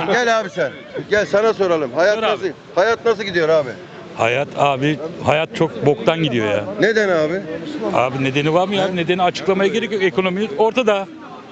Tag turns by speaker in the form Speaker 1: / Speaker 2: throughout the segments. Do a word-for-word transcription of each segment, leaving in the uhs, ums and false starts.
Speaker 1: Gel abi sen. Gel sana soralım. Hayat
Speaker 2: Sor abi.
Speaker 1: nasıl? Hayat nasıl gidiyor abi?
Speaker 2: Hayat abi, hayat çok boktan gidiyor ya.
Speaker 1: Neden abi?
Speaker 2: Abi nedeni var mı ya? Nedeni açıklamaya gerek yok. Ekonomi ortada.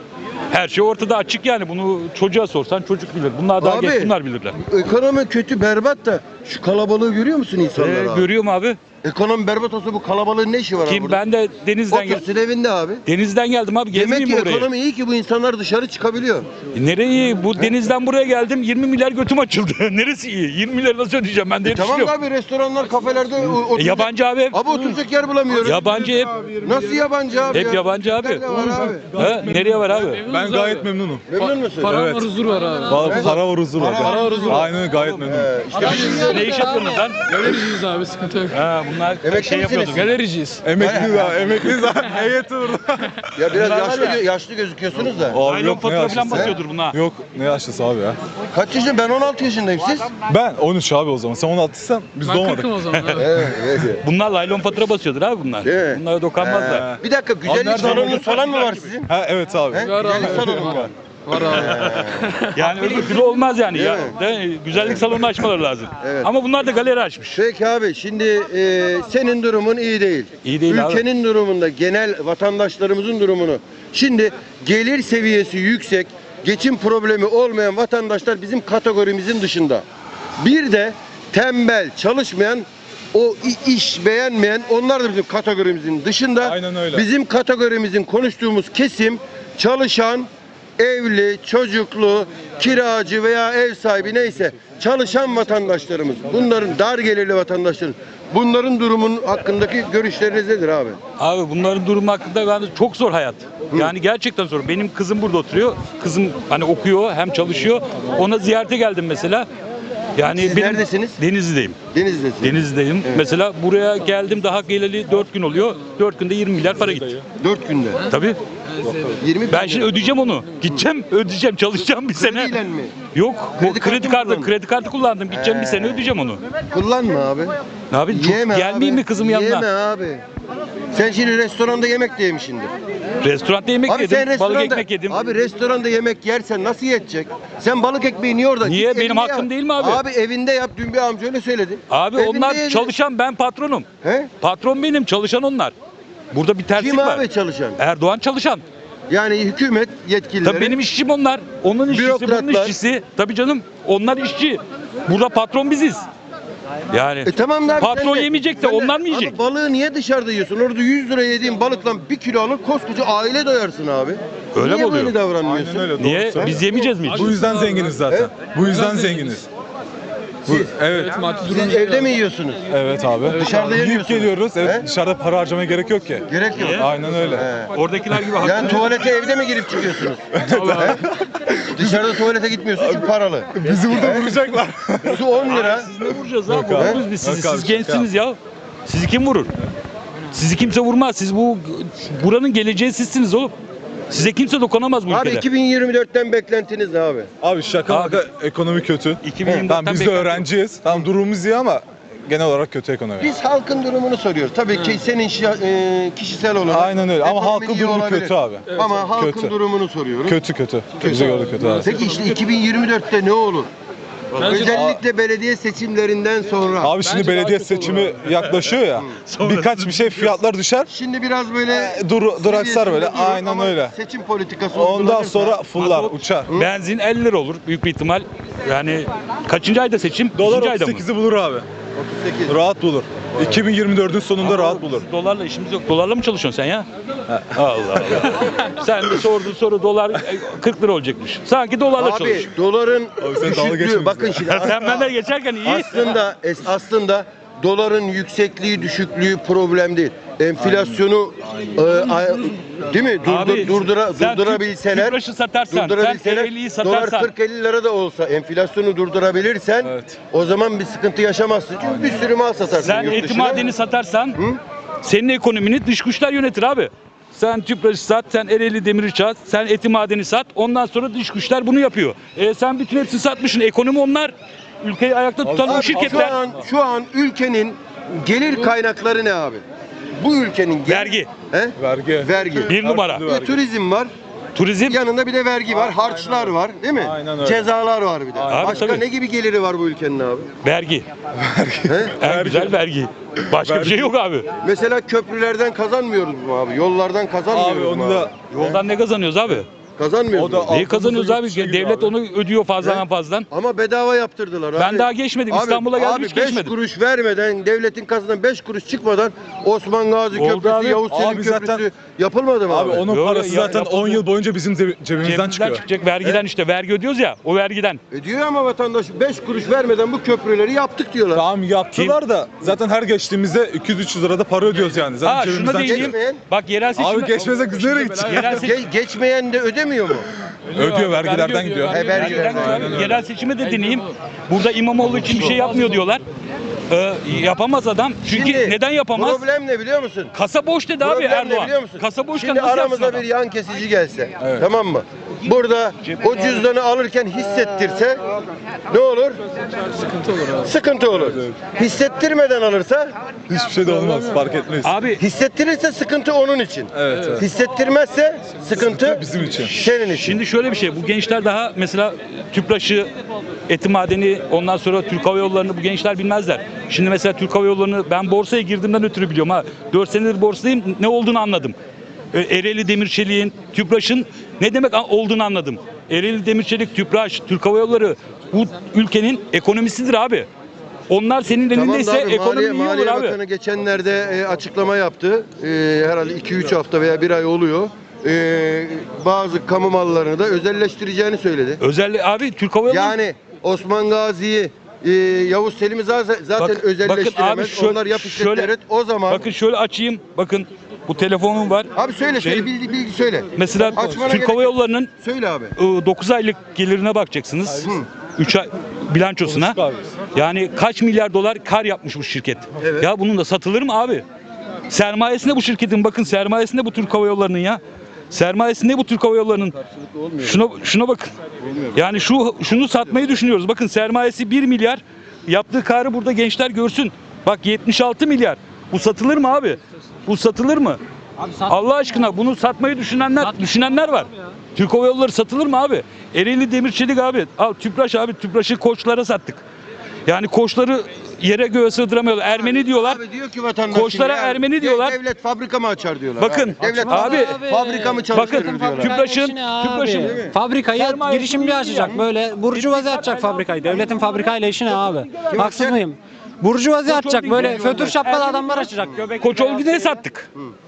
Speaker 2: Her şey ortada, açık yani. Bunu çocuğa sorsan çocuk bilir. Bunlar daha
Speaker 1: Abi,
Speaker 2: genç, bunlar bilirler.
Speaker 1: Ekonomi kötü, berbat da şu kalabalığı görüyor musun insanlar
Speaker 2: Ee,
Speaker 1: abi?
Speaker 2: görüyorum abi.
Speaker 1: Ekonomi berbat olsa bu kalabalığın ne işi var abi
Speaker 2: Kim
Speaker 1: burada?
Speaker 2: ben de denizden gel
Speaker 1: Otursun evinde abi.
Speaker 2: denizden geldim abi.
Speaker 1: Demek
Speaker 2: Gezmeyeyim
Speaker 1: ki
Speaker 2: mi oraya?
Speaker 1: ekonomi iyi ki bu insanlar dışarı çıkabiliyor.
Speaker 2: E, Nereye? Bu denizden buraya geldim. yirmi milyar götüm açıldı. Neresi iyi? yirmi milyar nasıl ödeyeceğim ben diye
Speaker 1: E tamam
Speaker 2: düşünüyorum.
Speaker 1: abi, restoranlar, kafelerde o-
Speaker 2: E,
Speaker 1: oturacak.
Speaker 2: yabancı abi.
Speaker 1: Abi oturacak yer bulamıyoruz.
Speaker 2: Yabancı hep.
Speaker 1: Nasıl yabancı abi
Speaker 2: Hep
Speaker 1: ya?
Speaker 2: yabancı abi.
Speaker 1: Nerede var abi?
Speaker 2: Ha, nereye var abi?
Speaker 3: Ben gayet memnunum.
Speaker 1: Memnun musun?
Speaker 3: Para
Speaker 1: Evet.
Speaker 3: var, huzur var abi.
Speaker 1: Evet.
Speaker 3: Para var, huzur var.
Speaker 1: Para var, huzur var.
Speaker 3: Aynen öyle, gayet memnunum.
Speaker 1: Ee, işte biz-
Speaker 2: Ne iş yapıyorsunuz lan?
Speaker 3: Galericiyiz abi, sıkıntı yok.
Speaker 2: Ha, bunlar
Speaker 1: Emekli
Speaker 2: şey
Speaker 1: misiniz?
Speaker 2: yapıyorduk.
Speaker 3: Galericiyiz. Emekliyiz abi, emekliyiz abi. Heyeti burada.
Speaker 1: ya biraz
Speaker 2: Bunlar var
Speaker 1: yaşlı,
Speaker 2: ya.
Speaker 1: gö- yaşlı gözüküyorsunuz da.
Speaker 3: Abi
Speaker 2: Naylon
Speaker 3: yok, ne
Speaker 2: fatura falan
Speaker 3: yaşlısı?
Speaker 2: basıyordur buna.
Speaker 3: Yok, ne yaşlısı abi ya.
Speaker 1: Kaç yaşında? Ben on altı yaşındayım, siz?
Speaker 3: Ben on üç abi o zaman. Sen on altıysan biz
Speaker 4: Ben
Speaker 3: doğmadık.
Speaker 4: kırkım o zaman abi.
Speaker 1: Evet, evet.
Speaker 2: Bunlar laylon fatura basıyordur abi bunlar.
Speaker 1: Evet.
Speaker 2: Bunlara dokanmazlar.
Speaker 1: Bir dakika, güzellik
Speaker 3: nereden
Speaker 1: salonunuz
Speaker 3: buldun?
Speaker 1: falan mı var sizin?
Speaker 3: Ha evet abi.
Speaker 1: He?
Speaker 4: Var abi.
Speaker 1: Güzellik salonu mu var?
Speaker 4: Var abi.
Speaker 2: Yani öbür türlü olmaz yani.
Speaker 1: Değil
Speaker 2: Ya,
Speaker 1: mi?
Speaker 2: de, güzellik salonu açmaları lazım.
Speaker 1: Evet.
Speaker 2: Ama bunlar da galeri açmış.
Speaker 1: Peki abi, şimdi e, senin durumun iyi değil.
Speaker 2: İyi değil abi.
Speaker 1: Ülkenin durumunda, genel vatandaşlarımızın durumunu. Şimdi gelir seviyesi yüksek, geçim problemi olmayan vatandaşlar bizim kategorimizin dışında. Bir de tembel, çalışmayan, o i- iş beğenmeyen, onlar da bizim kategorimizin dışında.
Speaker 3: Aynen öyle.
Speaker 1: Bizim kategorimizin konuştuğumuz kesim çalışan, evli, çocuklu, kiracı veya ev sahibi neyse çalışan vatandaşlarımız. Bunların dar gelirli vatandaşların. Bunların durumunun hakkındaki görüşleriniz nedir abi?
Speaker 2: Abi bunların durumu hakkında ben çok zor hayat. Yani gerçekten zor. Benim kızım burada oturuyor. Kızım hani okuyor hem çalışıyor. Ona ziyarete geldim mesela. Yani
Speaker 1: Siz
Speaker 2: benim
Speaker 1: neredesiniz?
Speaker 2: Denizli'deyim.
Speaker 1: Denizli'desin.
Speaker 2: Denizli'deyim.
Speaker 1: Evet.
Speaker 2: Mesela buraya geldim daha geleli dört gün oluyor. dört günde yirmi milyar para gitti.
Speaker 1: Dört günde.
Speaker 2: Tabii.
Speaker 1: yirmi
Speaker 2: Ben şimdi ödeyeceğim onu. Gideceğim, ödeyeceğim, çalışacağım bir sene.
Speaker 1: Krediyle mi?
Speaker 2: Yok,
Speaker 1: Kredi
Speaker 2: kredi,
Speaker 1: kartı
Speaker 2: kredi
Speaker 1: mı
Speaker 2: kartı,
Speaker 1: kullandın?
Speaker 2: kredi kartı kullandım. Gideceğim bir
Speaker 1: He.
Speaker 2: sene ödeyeceğim onu.
Speaker 1: Kullanma abi.
Speaker 2: Ne abi? Çok
Speaker 1: Yeme
Speaker 2: gelmeyeyim
Speaker 1: abi.
Speaker 2: mi kızım
Speaker 1: Yeme
Speaker 2: yanına?
Speaker 1: abi. Sen şimdi restoranda yemek de yemişsindir.
Speaker 2: Restoranda yemek
Speaker 1: Abi
Speaker 2: yedim,
Speaker 1: sen restoranda,
Speaker 2: balık ekmek yedim.
Speaker 1: Abi restoranda yemek yersen nasıl yetecek? Sen balık ekmeği niye orada?
Speaker 2: Niye?
Speaker 1: Git
Speaker 2: Benim
Speaker 1: evinde
Speaker 2: hakkım
Speaker 1: yap.
Speaker 2: değil mi abi?
Speaker 1: Abi evinde yap. Dün bir amca öyle söyledi.
Speaker 2: Abi
Speaker 1: Evinde
Speaker 2: onlar
Speaker 1: yedin.
Speaker 2: çalışan, ben patronum.
Speaker 1: He?
Speaker 2: Patron benim, çalışan onlar. Burada bir terslik
Speaker 1: Kim
Speaker 2: var.
Speaker 1: abi çalışan?
Speaker 2: Erdoğan çalışan.
Speaker 1: Yani hükümet yetkilileri.
Speaker 2: Tabii benim işçim onlar. Onun işçisi, bunun
Speaker 1: Bürokratlar.
Speaker 2: işçisi. Tabii canım, onlar işçi. Burada patron biziz. Yani
Speaker 1: E tamam da abi,
Speaker 2: patron
Speaker 1: sen de-
Speaker 2: yemeyecek de
Speaker 1: sen
Speaker 2: onlar mı yiyecek?
Speaker 1: Abi balığı niye dışarıda yiyorsun? Orada yüz lira yediğin balıkla bir kilo alır koskoca aile doyarsın abi.
Speaker 2: Öyle
Speaker 1: niye
Speaker 2: mi oluyor?
Speaker 1: böyle davranmıyorsun?
Speaker 3: Aynen öyle. doğru
Speaker 2: Niye?
Speaker 3: söylüyorsun.
Speaker 2: Biz yemeyeceğiz mi hiç?
Speaker 3: Bu yüzden zenginiz zaten. Bu yüzden zenginiz. Bu, evet.
Speaker 4: Maddi
Speaker 1: Siz
Speaker 4: durum
Speaker 1: evde mi yiyorsunuz?
Speaker 3: Evet abi.
Speaker 1: Dışarıda
Speaker 3: Yiyip
Speaker 1: yemiyorsunuz.
Speaker 3: geliyoruz. Evet,
Speaker 1: He?
Speaker 3: dışarıda para harcamaya gerek yok ki.
Speaker 1: Gerek yok.
Speaker 3: Aynen öyle.
Speaker 1: He.
Speaker 2: Oradakiler gibi haklı.
Speaker 1: Yani tuvalete evde mi girip çıkıyorsunuz? He? Dışarıda tuvalete gitmiyorsun çünkü paralı.
Speaker 3: Bizi burada vuracaklar.
Speaker 1: Su on lira.
Speaker 2: Siz ne vuracağız abi?
Speaker 3: Yok abi.
Speaker 2: Vururuz biz sizi.
Speaker 3: Yok abi,
Speaker 2: Siz gençsiniz ya. Sizi kim vurur? Sizi kimse vurmaz. Siz bu buranın geleceği sizsiniz oğlum. Size kimse dokunamaz bu
Speaker 1: Abi
Speaker 2: ülkede.
Speaker 1: iki bin yirmi dörtten beklentiniz ne abi?
Speaker 3: Abi şaka
Speaker 2: Abi.
Speaker 3: maka ekonomi kötü.
Speaker 2: iki bin yirmi dörtten
Speaker 3: Tamam biz de
Speaker 2: beklenti-
Speaker 3: öğrenciyiz. Tamam durumumuz iyi ama genel olarak kötü ekonomi.
Speaker 1: Biz halkın durumunu soruyoruz. Tabii ki senin şi- e, kişisel olarak.
Speaker 3: Aynen öyle ama
Speaker 1: ekonomin
Speaker 3: halkın
Speaker 1: iyi
Speaker 3: durumu
Speaker 1: olabilir.
Speaker 3: kötü abi.
Speaker 1: Ama halkın
Speaker 3: Kötü.
Speaker 1: durumunu soruyoruz.
Speaker 3: Kötü kötü. Bize göre kötü abi.
Speaker 1: Peki işte iki bin yirmi dörtte ne olur? Özellikle belediye seçimlerinden sonra.
Speaker 3: Abi şimdi
Speaker 4: Bence daha
Speaker 3: belediye
Speaker 4: kötü
Speaker 3: seçimi yaklaşıyor ya. Birkaç bir şey fiyatlar düşer.
Speaker 1: Şimdi biraz böyle
Speaker 3: E, dur- duraksar böyle,
Speaker 1: seviyesinde durur
Speaker 3: aynen
Speaker 1: ama
Speaker 3: öyle.
Speaker 1: Seçim politikası
Speaker 3: Ondan
Speaker 1: uygulanırsa-
Speaker 3: sonra fullar,
Speaker 2: Abi,
Speaker 3: uçar.
Speaker 2: Benzin elli lira olur büyük bir ihtimal. Yani kaçıncı ayda seçim?
Speaker 3: Dolar
Speaker 2: Üçüncü ayda
Speaker 3: otuz
Speaker 2: mı?
Speaker 3: sekizi bulur abi.
Speaker 1: otuz sekiz.
Speaker 3: Rahat bulur. iki bin yirmi dördün sonunda
Speaker 2: Ama
Speaker 3: rahat bulur.
Speaker 2: Dolarla işimiz yok. Dolarla mı çalışıyorsun sen ya? Allah Allah. Sen de sordun soru dolar e, kırk lira olacakmış. Sanki dolarla
Speaker 1: Abi
Speaker 2: çalış.
Speaker 1: doların
Speaker 3: Abi sen dalga geçme
Speaker 1: düşüklüğü bakın
Speaker 3: bizle.
Speaker 1: şimdi
Speaker 2: Sen benden geçerken iyi.
Speaker 1: aslında es- aslında doların yüksekliği düşüklüğü problem değil. Enflasyonu e, a- değil mi? Durdur,
Speaker 2: Abi,
Speaker 1: durdura,
Speaker 2: sen
Speaker 1: durdurabilseler,
Speaker 2: Tüpraşı satarsan,
Speaker 1: durdurabilseler,
Speaker 2: sen elliyi
Speaker 1: dolar
Speaker 2: satarsan.
Speaker 1: kırk elli lira da olsa enflasyonu durdurabilirsen
Speaker 3: Evet.
Speaker 1: o zaman bir sıkıntı yaşamazsın. Çünkü bir sürü mal satarsın
Speaker 2: Sen
Speaker 1: yurt
Speaker 2: eti
Speaker 1: dışına.
Speaker 2: madeni satarsan
Speaker 1: Hı?
Speaker 2: senin ekonomini dış güçler yönetir abi. Sen Tüpraşı sat, sen Ereğli Demiri sat, sen eti madeni sat. Ondan sonra dış güçler bunu yapıyor. E sen bütün hepsini satmışsın. Ekonomi onlar. Ülkeyi ayakta tutan o
Speaker 1: Abi,
Speaker 2: şirketler.
Speaker 1: Şu an, şu an ülkenin gelir kaynakları ne abi? Bu ülkenin gel-
Speaker 2: Vergi.
Speaker 1: He?
Speaker 3: Vergi.
Speaker 1: Vergi.
Speaker 2: Bir numara.
Speaker 3: türlü
Speaker 1: Bir
Speaker 3: vergi.
Speaker 1: turizm var.
Speaker 2: Turizm.
Speaker 1: Yanında bir de vergi var, harçlar var, değil mi?
Speaker 3: Aynen öyle.
Speaker 1: Cezalar var bir de.
Speaker 2: Abi
Speaker 1: Başka
Speaker 2: tabii.
Speaker 1: ne gibi geliri var bu ülkenin abi?
Speaker 2: Vergi.
Speaker 1: He?
Speaker 2: En güzel vergi. Başka bir şey yok abi.
Speaker 1: Mesela köprülerden kazanmıyoruz mu abi? Yollardan kazanmıyoruz
Speaker 3: Abi
Speaker 1: mu
Speaker 3: onu
Speaker 1: abi?
Speaker 3: da
Speaker 2: Yoldan ne kazanıyoruz abi?
Speaker 1: Kazanmıyoruz
Speaker 3: O da-
Speaker 1: mu?
Speaker 2: Neyi
Speaker 3: Altımızda
Speaker 2: kazanıyoruz
Speaker 3: yurt
Speaker 2: abi?
Speaker 3: dışı gibi
Speaker 2: Devlet
Speaker 3: abi.
Speaker 2: onu ödüyor fazladan
Speaker 1: He?
Speaker 2: fazladan.
Speaker 1: Ama bedava yaptırdılar abi.
Speaker 2: Ben daha geçmedim. İstanbul'a geldim,
Speaker 1: abi
Speaker 2: hiç
Speaker 1: beş
Speaker 2: geçmedim.
Speaker 1: kuruş vermeden, devletin kasasından beş kuruş çıkmadan Osman Gazi
Speaker 2: Oldu
Speaker 1: Köprüsü,
Speaker 2: abi.
Speaker 1: Yavuz Selim
Speaker 3: Abi
Speaker 1: Köprüsü
Speaker 3: zaten-
Speaker 1: yapılmadı mı
Speaker 3: Abi
Speaker 1: abi?
Speaker 3: onun
Speaker 2: Yo,
Speaker 3: parası
Speaker 2: ya-
Speaker 3: zaten
Speaker 2: yapıldı.
Speaker 3: on yıl boyunca bizim cebi- cebimizden
Speaker 2: Cebimizden
Speaker 3: çıkıyor.
Speaker 2: çıkacak vergiden işte. Vergi ödüyoruz ya. O vergiden.
Speaker 1: E diyor ama vatandaş beş kuruş vermeden bu köprüleri yaptık diyorlar.
Speaker 3: Tamam yaptılar da zaten her geçtiğimizde iki yüz üç yüz lira da para ödüyoruz yani. Zaten
Speaker 2: Ha şuna
Speaker 3: cebimizden
Speaker 2: değineyim.
Speaker 3: çıkıyor.
Speaker 1: geçmeyen-
Speaker 2: Bak yerel seçimde...
Speaker 3: Abi geçmesek biz nereye gideceğiz?
Speaker 2: Yerel, se-
Speaker 1: Ge- geçmeyen de ödemiyor mu?
Speaker 3: Ödüyor vergilerden gidiyor.
Speaker 1: He, vergilerden.
Speaker 2: Yerel, yerel seçime de dinleyeyim. Burada İmamoğlu için bir şey yapmıyor diyorlar. Ee, yapamaz adam. Çünkü
Speaker 1: Şimdi
Speaker 2: neden yapamaz?
Speaker 1: Problem ne biliyor musun?
Speaker 2: Kasa boş dedi abi
Speaker 1: Problem ne
Speaker 2: Erdoğan.
Speaker 1: biliyor musun?
Speaker 2: Kasa boşken
Speaker 1: Şimdi
Speaker 2: nasıl yapsın
Speaker 1: aramıza
Speaker 2: adam?
Speaker 1: bir yan kesici gelse,
Speaker 3: Evet.
Speaker 1: tamam mı? Burada o cüzdanı alırken hissettirse ne olur? Sıkıntı olur. Sıkıntı olur. Hissettirmeden alırsa,
Speaker 3: Hiçbir şey de olmaz fark etmez.
Speaker 2: Abi
Speaker 1: hissettirirse sıkıntı onun için.
Speaker 3: Evet, evet.
Speaker 1: Hissettirmezse sıkıntı
Speaker 3: bizim için.
Speaker 1: senin için.
Speaker 2: şimdi şöyle bir şey. Bu gençler daha mesela Tüpraş'ı, Eti Madeni, ondan sonra Türk Hava Yolları'nı bu gençler bilmezler. Şimdi mesela Türk Hava Yolları'nı ben borsaya girdiğimden ötürü biliyorum ha. dört senedir borsadayım, ne olduğunu anladım. E, Ereğli Demirçelik'in, Tüpraş'ın ne demek olduğunu anladım. Ereğli Demirçelik, Tüpraş, Türk Hava Yolları bu ülkenin ekonomisidir abi. Onlar senin
Speaker 1: Tamam da
Speaker 2: elindeyse
Speaker 1: abi,
Speaker 2: ekonomi
Speaker 1: Maliye,
Speaker 2: iyi olur
Speaker 1: Maliye
Speaker 2: abi.
Speaker 1: Bakanı geçenlerde e, açıklama yaptı. E, herhalde iki üç hafta veya bir ay oluyor. E, bazı kamu mallarını da özelleştireceğini söyledi.
Speaker 2: Özellikle abi Türk Hava Yolları
Speaker 1: Yani Osman Gazi'yi, e, Yavuz Selim'i zaten, zaten
Speaker 2: Bakın-
Speaker 1: özelleştiremez.
Speaker 2: bakın abi şöyle-
Speaker 1: Onlar yap
Speaker 2: şöyle-
Speaker 1: işletleri o zaman.
Speaker 2: bakın şöyle açayım. Bakın bu telefonum var.
Speaker 1: Abi söyle söyle
Speaker 2: Şey-
Speaker 1: bilgi, bilgi söyle.
Speaker 2: Mesela
Speaker 1: Açmana
Speaker 2: Türk
Speaker 1: gerek
Speaker 2: Hava
Speaker 1: yok.
Speaker 2: Yolları'nın
Speaker 1: Söyle abi.
Speaker 2: dokuz aylık gelirine bakacaksınız. üç ay bilançosuna.
Speaker 3: Konuştuk abi.
Speaker 2: Yani kaç milyar dolar kar yapmış bu şirket.
Speaker 1: Evet.
Speaker 2: Ya bunun da satılır mı abi? Sermayesinde bu şirketin, bakın sermayesinde bu Türk Hava Yolları'nın ya. Sermayesinde bu Türk Hava Yolları'nın. Şuna şuna bakın. Yani şu şunu satmayı düşünüyoruz. Bakın sermayesi bir milyar. Yaptığı karı burada gençler görsün. Bak yetmiş altı milyar. Bu satılır mı abi? Bu satılır mı? Allah aşkına bunu satmayı düşünenler düşünenler var. Türk Hava Yolları satılır mı abi? Ereğli Demirçelik abi. Al Tüpraş abi. Tüpraş'ı Koçlara sattık. Yani Koçları yere göğe sığdıramıyorlar. Ermeni diyorlar.
Speaker 1: Abi diyor ki vatandaş.
Speaker 2: Koçlara
Speaker 1: şimdi ya,
Speaker 2: Ermeni
Speaker 1: de-
Speaker 2: diyorlar.
Speaker 1: Devlet fabrika mı açar diyorlar.
Speaker 2: Bakın,
Speaker 1: abi. Devlet
Speaker 2: abi,
Speaker 1: fabrika mı çalıştırır
Speaker 2: bakın,
Speaker 1: diyorlar.
Speaker 2: Tüpraş'ın-
Speaker 4: işine abi.
Speaker 2: Tüpraş'ın
Speaker 4: Fabrikayı
Speaker 2: sermayesi
Speaker 4: girişimci
Speaker 2: değil
Speaker 4: açacak
Speaker 2: yani.
Speaker 4: böyle burjuvazi açacak fabrikayı. Devletin fabrikayla işi ne abi? Haksız
Speaker 1: açacak?
Speaker 4: mıyım? Burjuvazi açacak
Speaker 2: Holding
Speaker 4: böyle
Speaker 2: diyorlar.
Speaker 4: fötür şapkalı
Speaker 2: Ermeni
Speaker 4: adamlar
Speaker 2: diyor.
Speaker 4: açacak. Göbek
Speaker 2: Koç Olgi'ne sattık.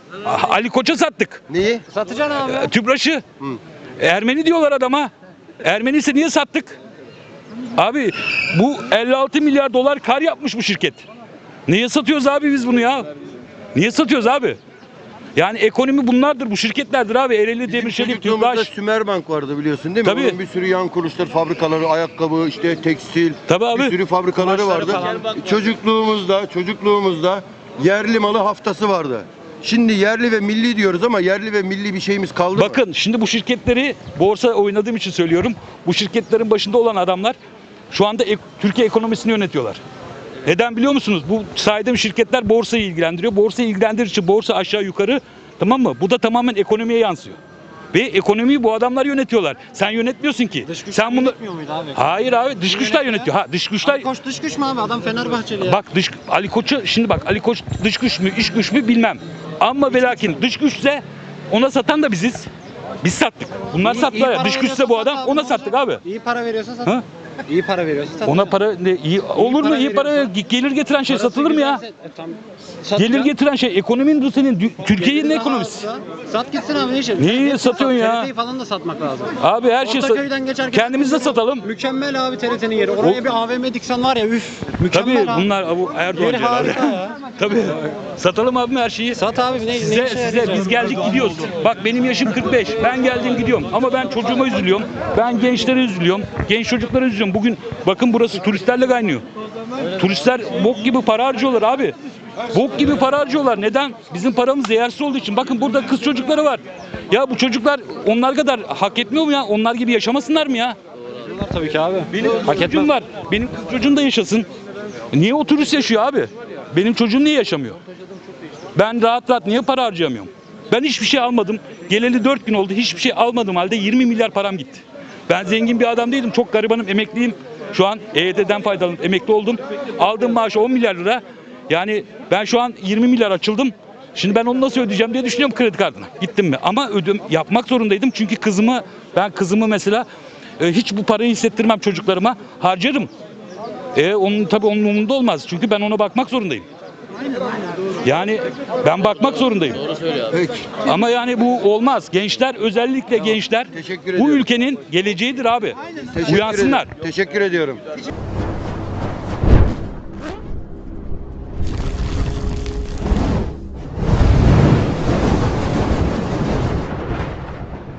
Speaker 2: Ali Koç'a sattık.
Speaker 1: Neyi?
Speaker 4: Satacaksın abi.
Speaker 2: Tüpraş'ı. Ermeni diyorlar adama. Ermeni ise niye sattık? Abi bu elli altı milyar dolar kar yapmış bu şirket. Niye satıyoruz abi biz bunu ya? Niye satıyoruz abi? Yani ekonomi bunlardır, bu şirketlerdir abi. Ereğli Demirçelik,
Speaker 1: Çocukluğumuzda
Speaker 2: Tüpraş.
Speaker 1: Sümerbank vardı biliyorsun değil mi?
Speaker 2: Tabii.
Speaker 1: Onun bir sürü yan kuruluşlar, fabrikaları, ayakkabı, işte tekstil,
Speaker 2: Tabii abi.
Speaker 1: bir sürü fabrikaları vardı. Çocukluğumuzda, çocukluğumuzda yerli malı haftası vardı. Şimdi yerli ve milli diyoruz ama yerli ve milli bir şeyimiz kaldı mı?
Speaker 2: Bakın şimdi bu şirketleri borsa oynadığım için söylüyorum. Bu şirketlerin başında olan adamlar şu anda ek- Türkiye ekonomisini yönetiyorlar. Neden biliyor musunuz? Bu saydığım şirketler borsayı ilgilendiriyor. Borsayı ilgilendirir için borsa aşağı yukarı, tamam mı? Bu da tamamen ekonomiye yansıyor. Ve ekonomiyi bu adamlar yönetiyorlar. Sen yönetmiyorsun ki.
Speaker 4: Dış güç
Speaker 2: Sen bunu
Speaker 4: yönetmiyor muydu abi?
Speaker 2: Hayır abi, dış güçler yönetiyor. Ha dış güçler.
Speaker 4: Ali Koç dış güç mü abi? Adam Fenerbahçeli ya.
Speaker 2: Bak dış Ali Koç'u şimdi bak Ali Koç dış güç mü iş güç mü bilmem. Ama ve lakin dış güçse ona satan da biziz. Biz sattık. Bunlar
Speaker 4: İyi- iyi
Speaker 2: sattılar ya.
Speaker 4: para
Speaker 2: Dış güçse
Speaker 4: veriyorsa
Speaker 2: bu
Speaker 4: sat
Speaker 2: adam
Speaker 4: abi,
Speaker 2: ona
Speaker 4: ne
Speaker 2: sattık
Speaker 4: olacak?
Speaker 2: abi.
Speaker 4: İyi para veriyorsa sat.
Speaker 2: Ha?
Speaker 4: İyi para veriyorsa sat.
Speaker 2: Ona para ne iyi olur mu?
Speaker 4: para
Speaker 2: İyi para
Speaker 4: veriyorsa-
Speaker 2: gelir getiren şey
Speaker 4: Parası
Speaker 2: satılır mı ya?
Speaker 4: güzelse- E, tam-
Speaker 2: Gelir
Speaker 4: satacaksın.
Speaker 2: getiren şey ekonominin bu senin dü- Türkiye'nin
Speaker 4: Geliri
Speaker 2: ekonomisi.
Speaker 4: daha azsa Sat gitsin abi ne işe?
Speaker 2: Neyi
Speaker 4: Hepsini
Speaker 2: satıyorsun
Speaker 4: sat.
Speaker 2: ya?
Speaker 4: T R T'yi falan da satmak lazım.
Speaker 2: Abi her şey
Speaker 4: Ortaköy'den geçerken
Speaker 2: kendimiz de satalım.
Speaker 4: Mükemmel abi T R T'nin yeri. Oraya
Speaker 2: O-
Speaker 4: bir A V M diksen var ya üf. Mükemmel
Speaker 2: Tabii
Speaker 4: abi.
Speaker 2: bunlar bu Erdoğan
Speaker 4: Yeri
Speaker 2: diyorlar.
Speaker 4: harika ya.
Speaker 2: Tabii. Satalım abi her şeyi.
Speaker 4: Sat abi ne, ne
Speaker 2: Size,
Speaker 4: işe
Speaker 2: size
Speaker 4: yarayacak?
Speaker 2: biz geldik gidiyoruz. Bak benim yaşım kırk beş. Ben geldim gidiyorum. Ama ben çocuğuma üzülüyorum. Ben gençlere üzülüyorum. Genç çocuklara üzülüyorum. Bugün bakın burası turistlerle kaynıyor. Turistler bok gibi para harcıyorlar abi. Bok gibi para harcıyorlar. Neden? Bizim paramız değersiz olduğu için. Bakın burada kız çocukları var. Ya bu çocuklar onlar kadar hak etmiyor mu ya? Onlar gibi yaşamasınlar mı ya?
Speaker 4: Tabii ki abi.
Speaker 2: Benim
Speaker 4: Hak
Speaker 2: kız çocuğum
Speaker 4: etmez.
Speaker 2: var. Benim kız çocuğum da yaşasın. Niye o turist yaşıyor abi? Benim çocuğum niye yaşamıyor? Ben rahat rahat niye para harcayamıyorum? Ben hiçbir şey almadım. Geleli dört gün oldu. Hiçbir şey almadım halde yirmi milyar param gitti. Ben zengin bir adam değilim. Çok garibanım. Emekliyim. Şu an E Y T'den faydalanıp emekli oldum. Aldığım maaş on milyar lira. Yani ben şu an yirmi milyar açıldım. Şimdi ben onu nasıl ödeyeceğim diye düşünüyorum kredi kartına. Gittim mi? Ama ödüm yapmak zorundaydım. Çünkü kızımı ben kızımı mesela e, hiç bu parayı hissettirmem çocuklarıma. Harcarım. E onun tabii onun umurunda olmaz. Çünkü ben ona bakmak zorundayım. Yani ben bakmak zorundayım.
Speaker 1: Peki.
Speaker 2: Ama yani bu olmaz. Gençler özellikle gençler
Speaker 1: Teşekkür
Speaker 2: bu
Speaker 1: ediyorum.
Speaker 2: ülkenin geleceğidir abi.
Speaker 1: Teşekkür
Speaker 2: Uyansınlar.
Speaker 1: ederim. Teşekkür ediyorum.